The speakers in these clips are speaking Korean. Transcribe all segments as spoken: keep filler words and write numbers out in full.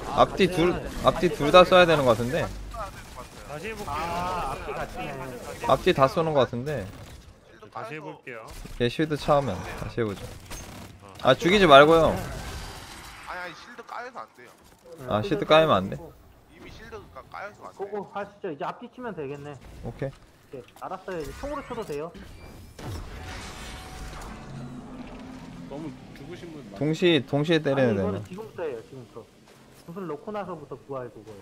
앞뒤 둘 앞뒤 둘 다 써야 되는 것 같은데. 다시 해볼게요. 아 앞뒤 같이 네. 앞뒤 다 쏘는 것 같은데. 다시 해볼게요. 얘 쉴드 차오면 다시 해보죠. 아 죽이지 말고요. 아니 아니 실드 까여서 안 돼요. 아 쉴드 까이면 안 돼. 이미 실드가 까여서 안 돼. 고고 하시죠. 이제 앞뒤 치면 되겠네. 오케이. 네, 알았어요. 이제 총으로 쳐도 돼요. 너무 죽으신 분 많아. 동시 동시에 아니 때리는 이거는 애는. 지금부터예요. 지금부터. 무슨 놓고 나서부터 구할 그거.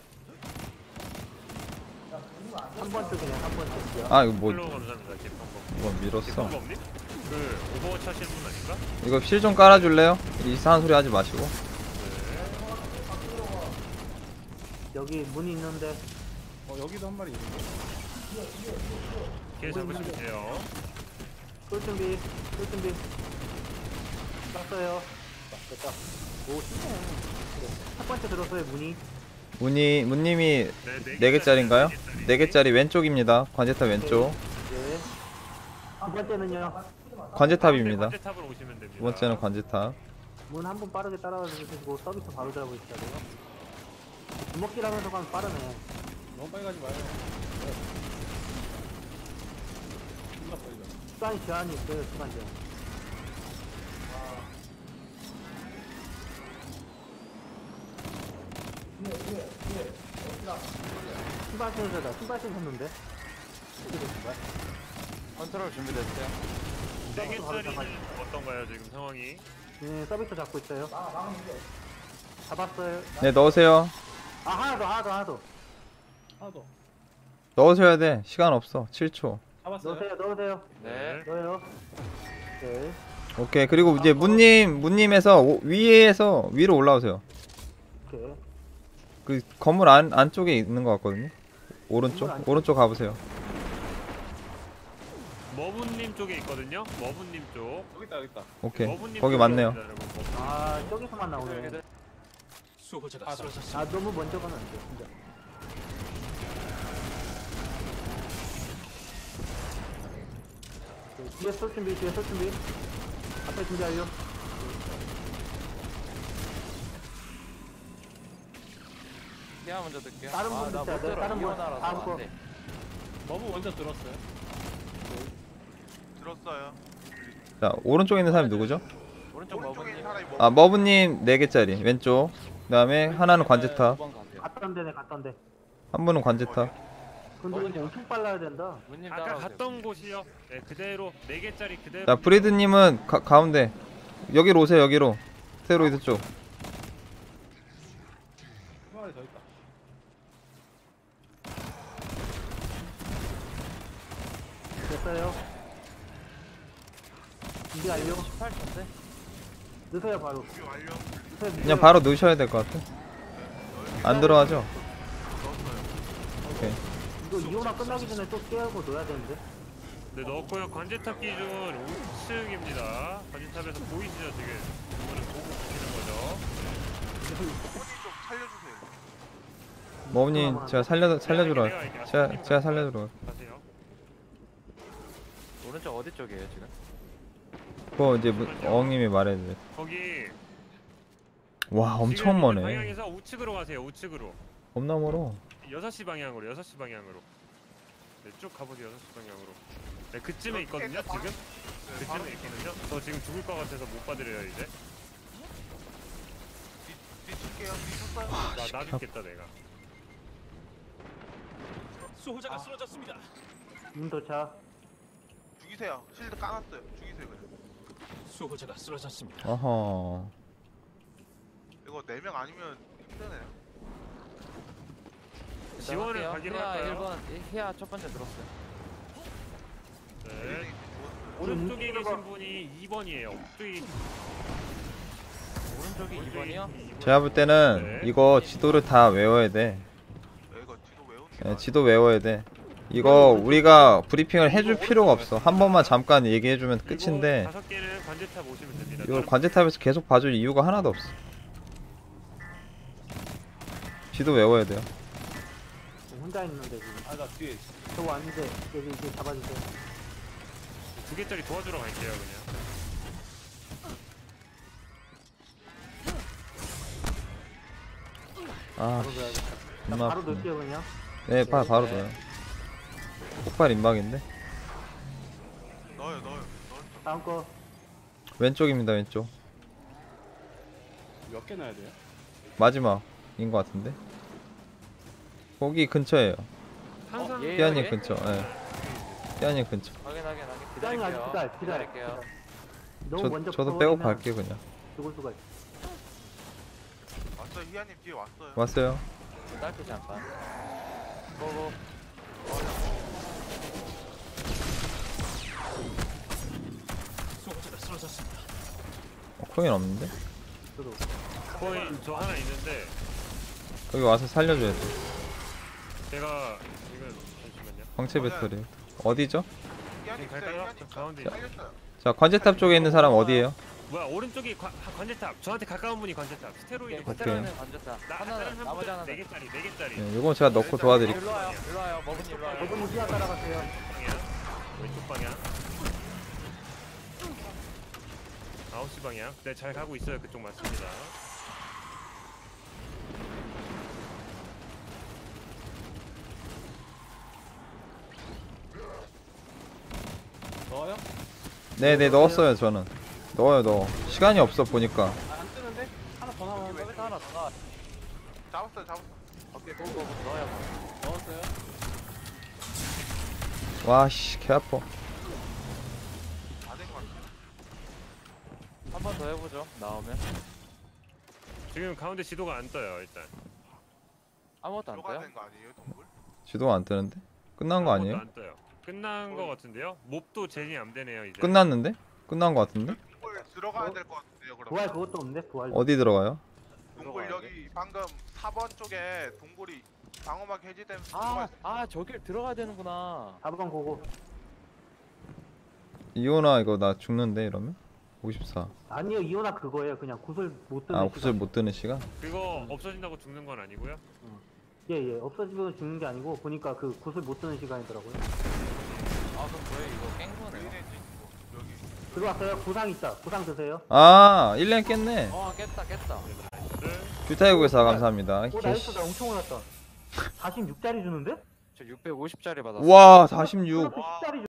한 번 쪽이네. 한 번 쪽이요. 아 이거 뭐 플로우 감사합니다. 기평범. 뭐 밀었어. 기평범님? 그 오버워치 하시는 분 아닌가? 이거 실 좀 깔아줄래요? 이상한 소리 하지 마시고. 네. 여기 문이 있는데 어 여기도 한 마리 있는데. 길 잡으시면 돼요. 쏠 준비. 쏠 준비. 쐈어요. 됐다. 오 쉽네. 그래. 첫 번째 들었어요. 문이. 문이 문님이 네, 네 개짜리인가요? 개짜리. 네 개짜리 왼쪽입니다. 관제탑 왼쪽. 네. 두 번째는요. 관제탑입니다. 관제탑으로 오시면 됩니다. 두 번째는 관제탑. 문 한 번 빠르게 따라가 주시고 서비스 바로 잡고 있어야 돼요. 주먹질 하면서 가면 빠르네. 너무 빨리 가지 마요. 존나 빨리 가. 시간 제한이 있어요. 시간 제한. 신발 신으셔다. 신발 신었는데. 어떻게 된 거야? 컨트롤 준비됐어요? 네 개짜리는 어떤가요 지금 상황이? 네, 서비스 잡고 있어요. 잡았어요. 네 넣으세요. 아 하나 더, 하나 더, 하나 더. 하나 더. 넣으셔야 돼. 시간 없어. 칠 초. 잡았어요? 넣으세요, 넣으세요. 네. 넣어요. 네. 오케이. 그리고 이제 문님 문님에서 오, 위에서 위로 올라오세요. 오케이. 그 건물 안 안쪽에 있는 것 같거든요. 오른쪽 건물 안쪽? 오른쪽 가보세요. 머분님 쪽에 있거든요. 머분님 쪽. 여기 있다 여기 있다. 오케이. 머분님 거기 쪽에 맞네요. 있습니다, 여러분. 머분. 아 저기서만 나오네. 수호자가 쓰러졌어. 아 너무 먼저 가면 안 돼, 진짜. 네, 뒤에 쏠 준비, 뒤에 쏠 준비. 앞에 준비 완료. 피아 먼저 들게요. 다른 분 아, 나 있어야 못 돼, 들어. 다른 분. 이혼하라서 다음 안 거. 돼. 너무 먼저 들었어요. 들었어요. 자 오른쪽에 있는 사람이 누구죠? 오른쪽 오른쪽에 머브님. 있는 사람이 뭐? 아 머브님 네 개짜리 왼쪽. 그다음에 하나는 관제탑. 두 번 가세요. 갔던 데네, 갔던 데. 한 분은 관제탑. 근데 이거 엄청 빨라야 된다. 문님 아까 따라오세요. 갔던 곳이요. 네 그대로 네 개짜리 그대로. 자 브리드님은 가, 가운데. 여기로 오세요. 여기로. 스테로이드 쪽. 한 마리 더 있다. 됐어요. 준비 완료. 십팔 초인데? 넣으세요, 바로. 준비 완료. 넣으세요, 그냥 바로 넣으셔야 될 것 같아. 안 들어가죠? 넣었어요. 오케이. 이거 이혼화 끝나기 전에 또 깨우고 넣어야 되는데. 네 넣었고요. 관제탑 기준 오 층입니다. 관제탑에서 보이시죠 지금? 이거는 보고 보시는 거죠. 손님 좀 살려주세요. 머브님 제가 살려 살려주러 갈- 제가 제가 살려주러 갈- 가세요. 오른쪽 어디 쪽이에요 지금? 그거 이제 문- 어흥님이 말해주세요. 거기 와 엄청 지금 있는 머네. 방향에서 우측으로 가세요. 우측으로. 겁나 멀어. 여섯 시 방향으로. 여섯 시 방향으로. 네, 쭉 가보세요. 여섯 시 방향으로. 네, 그쯤에 있거든요. 지금. 그쯤에 있거든요. 저 지금 죽을 것 같아서 못 받으려요 이제. 뒤칠게요. 뒤쳤어요. 나, 나 죽겠다 내가. 수호자가 쓰러졌습니다. 문 도착. 죽이세요. 실드 까놨어요. 죽이세요 그냥. 수호자가 쓰러졌습니다. 어허. 이거 네 명 아니면 힘드네요. 지원을 가기로 히아 할까요? 일 번 히아 첫 번째 들었어요. 네. 오른쪽에 계신 분이 이 번이에요. 오른쪽에 오른쪽이 이 번이요? 제가 볼 때는 네. 이거 지도를 다 외워야 돼. 야, 이거 뒤도 외우는 게 예, 나아요. 지도 외워야 돼. 이거 우리가 브리핑을 해줄 필요가 없어. 한 번만 잠깐 얘기해주면 끝인데 다섯 개는 관제탑 오시면 됩니다. 이걸 관제탑에서 계속 봐줄 이유가 하나도 없어. 지도 외워야 돼요. 혼자 있는데 지금. 아 나 뒤에. 저거 아닌데 여기 이제 잡아주세요. 두 개짜리 도와주러 갈게요 그냥. 아, 바로 넣어야겠다. 자, 존나 바로 아프네. 넣을게요 그냥. 네, 바, 바로 네. 넣어요. 폭발 임박인데? 넣어요 넣어요 넣어요. 다음 거. 왼쪽입니다, 왼쪽. 몇 개 넣어야 돼요? 마지막인 것 같은데? 거기 근처에요. 항상 예. 띠아님 예? 근처, 예. 띠아님 근처. 확인 확인 확인. 기다려 아직 기다릴게요. 기다려 기다려. 기다릴게요. 너무 저, 먼저 저도 빼고 붙어버리면 갈게요, 그냥. 죽을 수가 있어. 왔어요 희아님 뒤에 왔어요. 왔어요. 딸피 잠깐. 고고. 수호자가 쓰러졌습니다. 어, 코인 없는데? 저도. 코인 저 하나 있는데 여기 와서 살려줘야 돼. 제가 이거 잠시만요. 광채 배터리. 어디죠? 희아님 지금 있어요 갈까요? 희아님 저 가운데. 살렸어요. 자, 관제탑 쪽에 있는 사람 어디에요? 뭐야 오른쪽이 관- 하- 관제탑. 저한테 가까운 분이 관제탑. 스테로이드 오케이. 관제탑. 스테로이드는 건졌다. 나 하나 다른 한 나머지 분은 하나. 네 개짜리 네 개짜리. 네, 요건 제가 넣고 도와드릴게요. 일로 와요. 일로 와요. 머분이 일로 와요. 저분 희야 따라가세요. 방향 왼쪽 방향 아홉 시 방향 네 잘 가고 있어요 그쪽 맞습니다 넣어요? 네네, 넣었어요, 저는. 넣어요, 넣어. 시간이 없어, 보니까. 아, 안 뜨는데? 하나 더 나오면 여기 하나 더 나와. 잡았어요 잡았어. 오케이 고고 넣어요. 넣었어요? 와, 씨, 개 아파. 다된것 같아요. 한 번 더 해보죠. 나오면 지금 가운데 지도가 안 떠요 일단 아무것도 안 들어가야 떠요. 되는 거 아니에요 동굴? 지도가 안 뜨는데? 끝난 거 아무것도 아니에요? 안 떠요 끝난 거 같은데요 몹도 제니 안 되네요 이제 끝났는데? 끝난 거 같은데? 동굴 들어가야 될 것 같은데요 그럼. 부활 그것도 없는데 부활. 어디 들어가요? 동굴 여기 방금 사 번 쪽에 동굴이 방어막 해제되면서 아, 들어가 있어요. 아 저길 들어가야 되는구나. 사 번 고고. 이오나 이거 나 죽는데 이러면? 오십사. 아니요 이오나 그거예요. 그냥 구슬 못 뜨는 아, 시간. 구슬 못 뜨는 시간? 그거 없어진다고 죽는 건 아니고요 예예 없어지면 죽는 게 아니고 보니까 그 구슬 못 뜨는 시간이더라고요. 아 그럼 뭐예요 이거 깬 거네요. 여기 여기. 들어왔어요. 구상 있다. 구상 드세요. 아, 일 렌 깼네. 어 깼다 깼다. 나이스 규타이국에서 감사합니다. 오 개씨. 나이스 나 엄청 올랐다. 사십육 짜리 주는데? 저 육백오십 짜리 받았어. 와, 사십육. 십 짜리